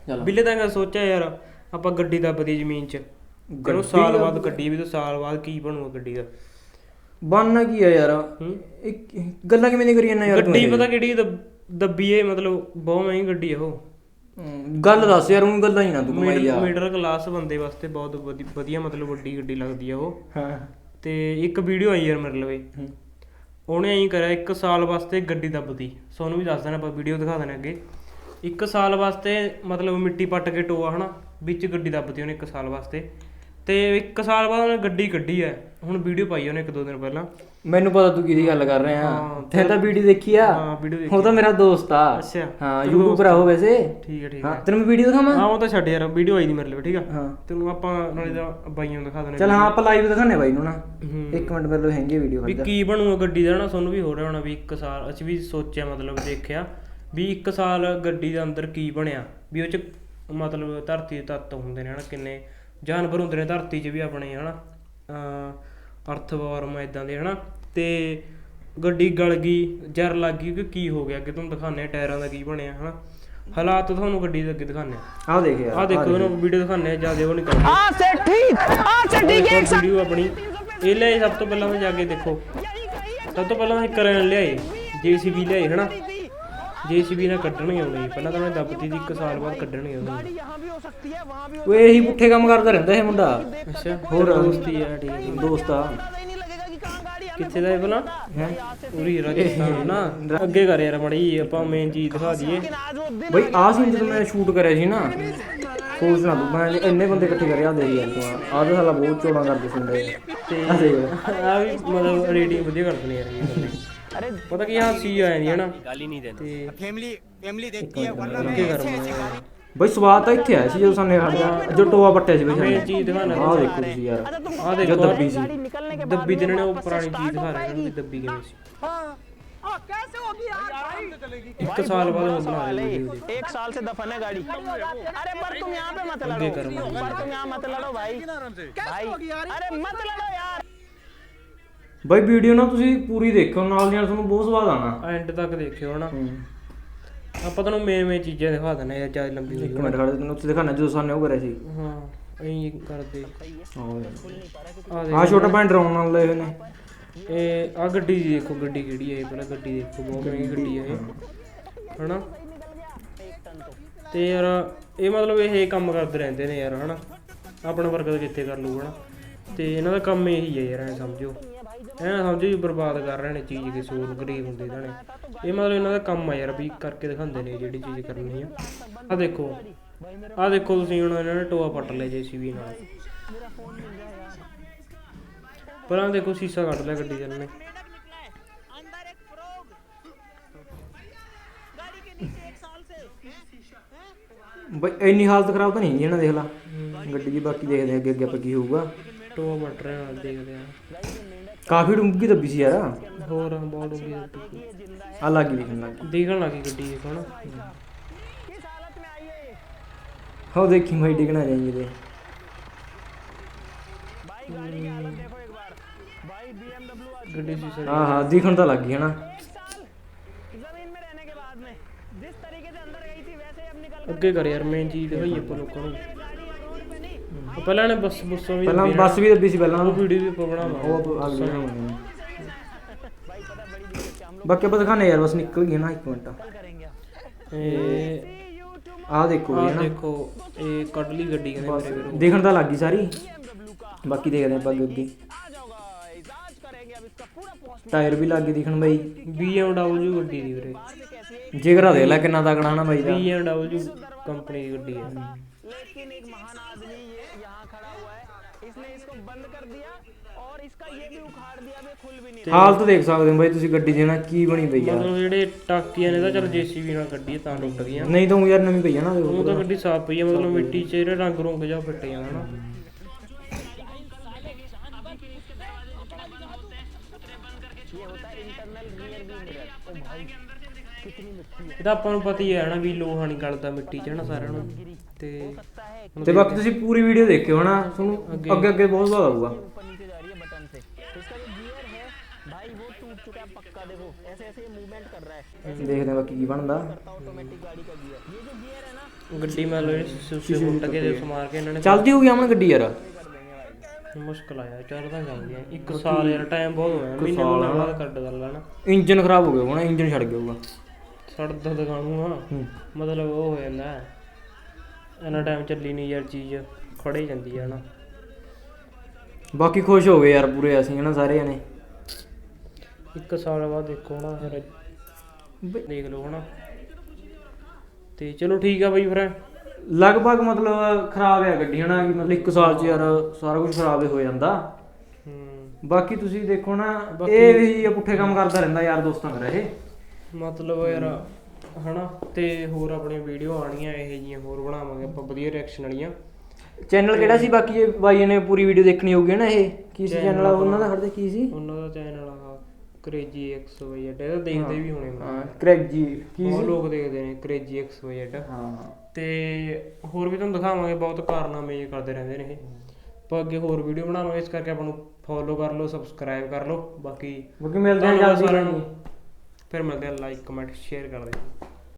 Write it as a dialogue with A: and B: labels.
A: ਬਿੱਲੇ ਤਾਂ ਸੋਚਿਆ ਯਾਰ ਆਪਾਂ ਗੱਡੀ ਦੱਬਦੀ ਜ਼ਮੀਨ 'ਚ ਤੈਨੂੰ ਸਾਲ ਬਾਅਦ ਗੱਡੀ ਵੀ ਤਾਂ ਸਾਲ ਬਾਅਦ ਕੀ ਬਣੂਗਾ ਗੱਡੀ ਦਾ
B: ਬਣਨਾ ਕੀ ਆ ਯਾਰ ਗੱਲਾਂ ਕਿਵੇਂ ਨਹੀਂ ਕਰੀ ਜਾਂਦਾ ਯਾਰ
A: ਗੱਡੀ ਪਤਾ ਕਿਹੜੀ ਦੱਬੀ ਏ ਮਤਲਬ ਬਹੁਤ ਮਹਿੰਗੀ ਗੱਡੀ ਆ ਉਹ
B: ਗੱਲ ਦੱਸ ਯਾਰ ਉਹ ਗੱਲਾਂ ਹੀ ਨਾ ਤੂੰ ਕਮਾਈ ਯਾਰ
A: ਮਿਡਲ ਕਲਾਸ ਬੰਦੇ ਵਾਸਤੇ ਬਹੁਤ ਵਧੀਆ ਮਤਲਬ ਵੱਡੀ ਗੱਡੀ ਲੱਗਦੀ ਆ ਉਹ
B: ਹਾਂ
A: ਤੇ ਇੱਕ ਵੀਡੀਓ ਆਈ ਯਾਰ ਮੇਰੇ ਲਵੇ ਉਹਨੇ ਐਂ ਕਰਿਆ 1 ਸਾਲ ਵਾਸਤੇ ਗੱਡੀ ਦੱਬਦੀ ਤੁਹਾਨੂੰ ਵੀ ਦੱਸ ਦੇਣਾ ਆਪਾਂ ਵੀਡੀਓ ਦਿਖਾ ਦੇਣਾ ਅੱਗੇ 1 ਸਾਲ ਵਾਸਤੇ ਮਤਲਬ ਮਿੱਟੀ ਪੱਟ ਕੇ ਟੋਆ ਹਨਾ ਵਿੱਚ ਗੱਡੀ ਦੱਬਦੀ ਉਹਨੇ 1 ਸਾਲ ਵਾਸਤੇ ਤੇ 1 ਸਾਲ ਬਾਅਦ ਉਹਨੇ ਗੱਡੀ ਕੱਢੀ ਐ ਹੁਣ ਵੀਡੀਓ ਪਾਈ ਉਹਨੇ 1-2 ਦਿਨ ਪਹਿਲਾਂ
B: ਮੈਨੂੰ ਪਤਾ ਤੂੰ ਕਿਹਦੀ ਗੱਲ ਕਰ ਰਿਹਾ ਤੈਂ ਤਾਂ ਵੀਡੀਓ ਦੇਖੀ ਆ
A: ਹਾਂ ਵੀਡੀਓ ਦੇਖੀ
B: ਉਹ ਤਾਂ ਮੇਰਾ ਦੋਸਤ ਆ
A: ਅੱਛਾ
B: ਹਾਂ ਯੂਟਿਊਬਰ ਆ ਉਹ ਵੈਸੇ
A: ਠੀਕ ਹੈ
B: ਹਾਂ ਤੈਨੂੰ ਮੈਂ ਵੀਡੀਓ ਦਿਖਾਵਾਂ
A: ਹਾਂ ਉਹ ਤਾਂ ਛੱਡ ਯਾਰ ਵੀਡੀਓ ਆਈ ਨਹੀਂ ਮੇਰੇ ਲਈ ਠੀਕ ਆ
B: ਹਾਂ
A: ਤੈਨੂੰ ਆਪਾਂ ਨਾਲੇ ਦਾ ਬਾਈਆਂ ਨੂੰ ਦਿਖਾ ਦੇਣਾ
B: ਚਲ ਹਾਂ ਆਪਾਂ ਲਾਈਵ ਦਿਖਾਣੇ ਬਾਈ ਨੂੰ ਨਾ 1 ਮਿੰਟ ਮੇਰੇ ਲਈ ਹੈਂਗੀ ਵੀਡੀਓ
A: ਵੀ ਕੀ ਬਣੂਗਾ ਗੱਡੀ ਦਾ ਨਾ ਤੁਹਾਨੂੰ ਵੀ ਹੋ ਰਿਹਾ ਹੋਣਾ ਵੀ 1 ਸਾਲ ਅਸੀਂ ਵੀ ਸੋਚਿਆ ਮਤਲਬ ਦੇਖਿਆ ਵੀ 1 ਸਾਲ ਗੱਡੀ ਦੇ ਅੰਦਰ ਕੀ ਬਣਿਆ ਵੀ ਉਹ ਚ ਮਤਲਬ ਧਰਤੀ ਦੇ ਤੱਤ ਹੁੰਦੇ ਨੇ ਹਨਾ ਕਿੰਨੇ ਜਾਨਵਰ ਹੁੰਦੇ ਨੇ ਧਰਤੀ 'ਚ ਵੀ ਆਪਣੇ ਹਨਾ ਅਰਥਵਾਰਮ ਇੱਦਾਂ ਦੇ ਹਨਾ ਤੇ ਗੱਡੀ ਗਲ ਗਈ ਜ਼ਹਿਰ ਲੱਗ ਗਈ ਕਿ ਕੀ ਹੋ ਗਿਆ ਅੱਗੇ ਤੁਹਾਨੂੰ ਦਿਖਾਉਂਦੇ ਆ ਟਾਇਰਾਂ ਦਾ ਕੀ ਬਣਿਆ ਹਨਾ ਹਾਲਾਤ ਤੁਹਾਨੂੰ ਗੱਡੀ ਦੇ ਅੱਗੇ ਦਿਖਾਉਂਦੇ ਆ
B: ਆਹ ਦੇਖ ਯਾਰ
A: ਆਹ ਦੇਖੋ ਇਹਨੂੰ ਵੀਡੀਓ ਦਿਖਾਉਂਦੇ ਆ ਜਿਆਦਾ ਉਹ ਨਹੀਂ ਕਰਦੇ ਵੀਡੀਓ ਆਪਣੀ ਇਹ ਲਿਆਏ ਸਭ ਤੋਂ ਪਹਿਲਾਂ ਤਾਂ ਜਾ ਕੇ ਦੇਖੋ ਸਭ ਤੋਂ ਪਹਿਲਾਂ ਅਸੀਂ ਕਰਨ ਲਿਆਏ JCB ਲਿਆਏ ਹਨਾ JCB ਨਾਲ ਕੱਢਣਗੇ ਉਹਨੇ ਪਹਿਲਾਂ ਤਾਂ ਉਹਨੇ ਦੱਬਤੀ ਦੀ 1 ਸਾਲ ਬਾਅਦ ਕੱਢਣਗੇ ਉਹਨੇ
B: ਓਏ ਇਹੀ ਪੁੱਠੇ ਕੰਮ ਕਰਦਾ ਰਹਿੰਦਾ ਇਹ ਮੁੰਡਾ
A: ਅੱਛਾ ਹੋਰ ਦੋਸਤੀ ਆ ਠੀਕ ਹੈ
B: ਦੋਸਤ ਆ
A: ਕਿੱਥੇ ਦਾ ਇਹ ਭਲਾ
B: ਹੈ
A: ਪੂਰੀ ਰਾਜਸਥਾਨ ਨਾ ਅੱਗੇ ਕਰ ਯਾਰ ਮੜੀ ਆਪਾਂ ਮੇਨ ਚੀਜ਼ ਦਿਖਾ ਦਈਏ
B: ਬਈ ਆਹ ਸੀਨ ਜਦੋਂ ਮੈਂ ਸ਼ੂਟ ਕਰਿਆ ਸੀ ਨਾ ਸੋਚਣਾ ਤੂੰ ਮੈਂ ਇੰਨੇ ਬੰਦੇ ਇਕੱਠੇ ਕਰਿਆ ਦੇ ਯਾਰ ਤੂੰ ਆਹ ਤਾਂ ਸਾਲਾ ਬਹੁਤ ਚੋੜਾਂ ਕਰਦੇ ਸੁਣਦੇ
A: ਤੇ
B: ਆ ਦੇਖ
A: ਆ ਵੀ ਮਤਲਬ ਰੇਟਿੰਗ ਵਧੀਆ ਕਰਦੇ ਨੇ ਯਾਰ ਇਹ ਬੰਦੇ ਪਤਾ ਕੀ ਹਾਸੀ ਆ ਜਾਂਦੀ ਹੈ ਨਾ ਤੇ
C: फैमिली देखती है वरना
A: ਅੱਗੇ ਕਰ
B: ਬਈ ਸਵਾਦ ਤਾਂ ਇੱਥੇ ਆਇਆ ਸੀ ਜਦੋਂ ਸਾਨੇ ਸਾਡਾ ਜੋ ਟੋਆ ਪੱਟਿਆ ਸੀ ਬਈ
A: ਮੇਨ ਚੀਜ਼ ਦਿਖਾਣਾ
B: ਆਹ ਦੇਖੋ ਤੁਸੀਂ ਯਾਰ
A: ਆਹ ਦੇਖੋ
B: ਦੱਬੀ ਸੀ
A: ਦੱਬੀ ਤੇ ਇਹਨਾਂ ਨੇ ਉਹ ਪੁਰਾਣੀ ਚੀਜ਼ ਦਿਖਾ ਰਹੇ ਨੇ ਦੱਬੀ ਕਿਵੇਂ ਸੀ
C: कैसे होगी यार भाई
A: 1 साल बाद वो बना रहे वीडियो
D: 1 साल से दफन है गाड़ी अरे पर तुम यहाँ पे मत लड़ो पर तुम यहाँ मत लड़ो भाई भाई अरे मत लड़ो यार
B: ਬਈ ਵੀਡੀਓ ਨਾ ਤੁਸੀਂ ਪੂਰੀ ਦੇਖਿਓ ਨਾਲ ਨਾਲ ਤੁਹਾਨੂੰ ਬਹੁਤ ਸਵਾਦ ਆਣਾ
A: ਐਂਡ ਤੱਕ ਦੇਖਿਓ ਹਨਾ ਆਪਾਂ ਤੁਹਾਨੂੰ ਮੇਨ ਚੀਜ਼ਾਂ ਦਿਖਾ ਦਿੰਦੇ ਆ ਜਿਆਦਾ ਲੰਬੀ
B: ਇੱਕ ਮਿੰਟ ਖੜੇ ਤੈਨੂੰ ਉੱਥੇ ਦਿਖਾਣਾ ਜਦੋਂ ਸਾਨੇ ਉਹ ਕਰਿਆ ਸੀ
A: ਹਾਂ ਐਂ ਕਰਦੇ
B: ਆਹ ਛੋਟਾ ਭੈਣ ਡਰਾਉਣ ਨਾਲ ਲਏ ਹੋਏ ਨੇ
A: ਇਹ ਆ ਗੱਡੀ ਦੀ ਦੇਖੋ ਗੱਡੀ ਕਿਹੜੀ ਹੈ ਇਹ ਪਹਿਲਾਂ ਗੱਡੀ ਦੇਖੋ ਬਹੁਤ ਮਹਿੰਗੀ ਗੱਡੀ ਹੈ ਇਹ ਹਨਾ ਤੇ ਯਾਰ ਇਹ ਮਤਲਬ ਇਹ ਕੰਮ ਕਰਦੇ ਰਹਿੰਦੇ ਨੇ ਯਾਰ ਹਨਾ ਆਪਣਾ ਵਰਗਾ ਤਾਂ ਕਿੱਥੇ ਕਰ ਲੂਗਾ ਹਨਾ ਤੇ ਇਹਨਾਂ ਦਾ ਕੰਮ ਇਹੀ ਹੈ ਯਾਰ ਐਂ ਸਮਝੋ ਐਂ ਸਮਝੋ ਵੀ ਬਰਬਾਦ ਕਰ ਰਹੇ ਨੇ ਚੀਜ਼ ਕਿਸੇ ਹੋਰ ਗਰੀਬ ਹੁੰਦੇ ਇਹਨਾਂ ਨੇ ਇਹ ਮਤਲਬ ਇਹਨਾਂ ਦਾ ਕੰਮ ਆ ਯਾਰ ਵੀ ਕਰਕੇ ਦਿਖਾਉਂਦੇ ਨੇ ਜਿਹੜੀ ਚੀਜ਼ ਕਰਨੀ ਆ ਆਹ ਦੇਖੋ ਤੁਸੀਂ ਹੁਣ ਇਹਨਾਂ ਨੇ ਟੋਆ ਪੱਟ ਲਿਆ JCB ਨਾਲ ਪਰ ਆਹ ਦੇਖੋ ਸ਼ੀਸ਼ਾ ਕੱਢ ਲਿਆ ਗੱਡੀ ਦੇ ਇਹਨਾਂ ਨੇ
B: ਬਈ ਇੰਨੀ ਹਾਲਤ ਖਰਾਬ ਤਾਂ ਨਹੀਂ ਹੈਗੀ ਇਹਨਾਂ ਦੇਖ ਲਾ ਗੱਡੀ ਦੀ ਬਾਕੀ ਦੇਖਦੇ ਅੱਗੇ ਅੱਗੇ ਆਪਾਂ ਕੀ ਹੋਊਗਾ
A: ਟੋਆ ਪੱਟ ਰਿਹਾ ਨਾਲ ਦੇਖਦੇ ਆ
B: ਕਾਫੀ ਡੂੰਘੀ ਦੱਬੀ ਸੀ ਯਾਰ
A: ਹੋਰ ਬਹੁਤ ਡੂੰਘੀ
B: ਆ ਲੱਗੀ ਦਿਖਣ
A: ਲੱਗੀ ਗੱਡੀ ਦੇਖੋ ਨਾ
B: ਹੋ ਦੇਖੀ ਮੈਂ ਡਿਗਣਾ ਜਾਈਏ ਤੇ
A: ਗੱਡੀ ਸ਼ੀਸ਼ਾ
B: ਹਾਂ ਦਿਖਣ ਤਾਂ ਲੱਗ ਗਈ ਹਨਾ
A: ਅੱਗੇ ਕਰ ਯਾਰ ਮੇਨ ਚੀਜ਼ ਦਿਖਾਈ ਆਪਾਂ ਲੋਕਾਂ ਨੂੰ ਪਹਿਲਾਂ ਇਹਨੇ ਬੱਸਾਂ ਵੀ
B: ਪਹਿਲਾਂ ਬੱਸ ਵੀ ਦੱਬੀ ਸੀ ਪਹਿਲਾਂ
A: ਉਹ ਵੀਡੀਓ ਵੀ ਆਪਾਂ ਬਣਾਵਾਂਗੇ
B: ਉਹ ਆ ਗਈ ਬਾਕੀ ਆਪਾਂ ਦਿਖਾਣੇ ਯਾਰ ਬਸ ਨਿਕਲ ਗਈ ਨਾ 1 ਮਿੰਟ ਆਹ ਦੇਖੋ
A: ਆਹ ਦੇਖੋ ਇਹ ਕੱਢ ਲਈ ਗੱਡੀ ਕਹਿੰਦੇ ਮੇਰੇ ਵੀਰੋ
B: ਦੇਖਣ ਤਾਂ ਲੱਗ ਗਈ ਸਾਰੀ ਬਾਕੀ ਦੇਖਦੇ ਆਪਾਂ ਅੱਗੇ ਟਾਇਰ ਵੀ ਲੱਗ ਗਏ ਦਿਖਣ ਬਈ
A: BMW ਗੱਡੀ ਦੀ ਵੀਰੇ
B: ਜਿਗਰਾ ਦੇਖ ਲੈ ਕਿੰਨਾ ਤਕੜਾ ਨਾ ਬਾਈ ਦਾ
A: BMW ਕੰਪਨੀ ਦੀ ਗੱਡੀ ਹੈ
D: लेकिन एक महान आदमी ये यहाँ खड़ा हुआ है इसने इसको बंद कर दिया और इसका ये भी उखाड़ दिया वे खुल भी नहीं
B: ਹਾਲਤ ਦੇਖ ਸਕਦੇ ਹੋ ਬਾਈ ਤੁਸੀਂ ਗੱਡੀ ਦੀ ਨਾ ਕੀ ਬਣੀ ਪਈ ਆ
A: ਮਤਲਬ ਜਿਹੜੇ ਟਾਕੀਆਂ ਨੇ ਤਾਂ ਚਲ JCB ਨਾਲ ਗੱਡੀ ਤਾਂ ਟੁੱਟ ਗਈਆਂ
B: ਨਹੀਂ ਤਾਂ ਯਾਰ ਨਵੀਂ ਪਈ ਆ ਨਾ
A: ਉਹ ਤਾਂ ਗੱਡੀ ਸਾਫ਼ ਪਈ ਆ ਮਤਲਬ ਮਿੱਟੀ 'ਚ ਜਿਹੜੇ ਰੰਗ ਰੁੰਗ ਜਾ ਫਿੱਟ ਜਾਂਦਾ ਨਾ ਇਹ ਤਾਂ ਆਪਾਂ ਨੂੰ ਪਤਾ ਹੀ ਹੈ ਨਾ ਵੀ ਲੋਹਾ ਨਹੀਂ ਗਲਦਾ ਮਿੱਟੀ 'ਚ ਹਨਾ ਸਾਰਿਆਂ ਨੂੰ ਤੇ
B: ਬਾਕੀ ਤੁਸੀਂ ਪੂਰੀ ਵੀਡੀਓ ਦੇਖਿਓ ਹਨਾ ਤੁਹਾਨੂੰ ਅੱਗੇ ਅੱਗੇ ਬਹੁਤ ਸਵਾਦ ਆਊਗਾ
D: भाई वो टूट चुका है पक्का देखो ऐसे ऐसे ये मूवमेंट कर रहा है
B: ਦੇਖਦੇ ਆ ਬਾਕੀ ਕੀ ਬਣਦਾ
D: ऑटोमेटिक गाड़ी का गियर ये जो गियर है ना
A: ਗੱਡੀ ਮਤਲਬ ਸੁਸੇ ਫੁੱਟ ਕੇ ਦੇ ਸਮਾਰ ਕੇ ਇਹਨਾਂ ਨੇ
B: ਚੱਲਦੀ ਹੋਊਗੀ ਅਮਨ ਗੱਡੀ ਯਾਰ।
A: ਮੁਸ਼ਕਲ ਆਇਆ ਚੱਲ ਤਾਂ ਜਾਂਦੀਆਂ 1 ਸਾਲ ਯਾਰ ਟਾਈਮ ਬਹੁਤ ਹੋਇਆ ਮਹੀਨੇ ਨੂੰ ਬਾਅਦ ਕੱਢ ਕਰ ਲੈਣਾ।
B: ਇੰਜਨ ਖਰਾਬ ਹੋ ਗਿਆ ਹੋਣਾ, ਇੰਜਨ ਛੱਡ ਗਿਆ ਹੋਊਗਾ।
A: ਛੱਡਦਾ ਦਿਖਾਣੂ ਆ ਮਤਲਬ ਉਹ ਹੋ ਜਾਂਦਾ ਇੰਨਾ ਟਾਈਮ ਚੱਲੀ ਨਹੀਂ ਯਾਰ ਚੀਜ਼ ਖੜੇ ਜਾਂਦੀ ਆ ਨਾ।
B: ਬਾਕੀ ਖੁਸ਼ ਹੋ ਗਏ ਯਾਰ ਪੂਰੇ ਅਸੀਂ ਹਨਾ ਸਾਰੇ ਜਣੇ।
A: 1 ਸਾਲ ਬਾਅਦ ਦੇਖੋ ਨਾ ਫਿਰ ਦੇਖ ਲਓ ਹਨਾ। ਤੇ ਚਲੋ ਠੀਕ ਆ ਬਈ ਫਿਰ
B: ਲਗਭਗ ਮਤਲਬ ਖਰਾਬ ਹੈ ਗੱਡੀ ਹਨਾ, ਕਿ ਮਤਲਬ 1 ਸਾਲ ਚ ਯਾਰ ਸਾਰਾ ਕੁਝ ਖਰਾਬ ਹੀ ਹੋ ਜਾਂਦਾ। ਬਾਕੀ ਤੁਸੀਂ ਦੇਖੋ ਨਾ ਇਹ ਵੀ ਪੁੱਠੇ ਕੰਮ ਕਰਦਾ ਰਹਿੰਦਾ ਯਾਰ ਦੋਸਤਾਂ ਕਰ ਇਹ
A: ਮਤਲਬ ਯਾਰ ਹਨਾ। ਤੇ ਹੋਰ ਆਪਣੀ ਵੀਡੀਓ ਆਣੀਆਂ ਇਹ ਜੀਆਂ ਹੋਰ ਬਣਾਵਾਂਗੇ ਆਪਾਂ ਵਧੀਆ ਰਿਐਕਸ਼ਨ ਵਾਲੀਆਂ।
B: ਚੈਨਲ ਕਿਹੜਾ ਸੀ ਬਾਕੀ ਇਹ ਬਾਈ ਨੇ ਪੂਰੀ ਵੀਡੀਓ ਦੇਖਣੀ ਹੋਊਗੀ ਨਾ। ਇਹ ਕੀ ਸੀ ਚੈਨਲ ਉਹਨਾਂ ਦਾ, ਹੜਦੇ ਕੀ ਸੀ
A: ਉਹਨਾਂ ਦਾ ਚੈਨਲ ਆ ਕ੍ਰੇਜੀ XYZ। ਇਹਦਾ ਦੇਖਦੇ ਵੀ ਹੋਣੇ
B: ਹਾਂ ਕ੍ਰੈਜੀ ਕੀ
A: ਬਹੁਤ ਲੋਕ ਦੇਖਦੇ ਨੇ ਕ੍ਰੇਜੀ XYZ।
B: ਹਾਂ
A: ਤੇ ਹੋਰ ਵੀ ਤੁਹਾਨੂੰ ਦਿਖਾਵਾਂਗੇ ਬਹੁਤ ਕਾਰਨਾਮੇ ਇਹ ਕਰਦੇ ਰਹਿੰਦੇ ਨੇ ਇਹ। ਆਪਾਂ ਅੱਗੇ ਹੋਰ ਵੀਡੀਓ ਬਣਾਵਾਂਗੇ ਇਸ ਕਰਕੇ ਆਪਾਂ ਨੂੰ ਫੋਲੋ ਕਰ ਲਓ, ਸਬਸਕ੍ਰਾਈਬ ਕਰ ਲਓ। ਬਾਕੀ
B: ਮਿਲਦੇ ਆ ਜਲਦੀ।
A: ਫਿਰ ਮਿਲਦੇ ਆ, ਲਾਈਕ ਕਮੈਂਟ ਸ਼ੇਅਰ ਕਰ ਦਿਓ।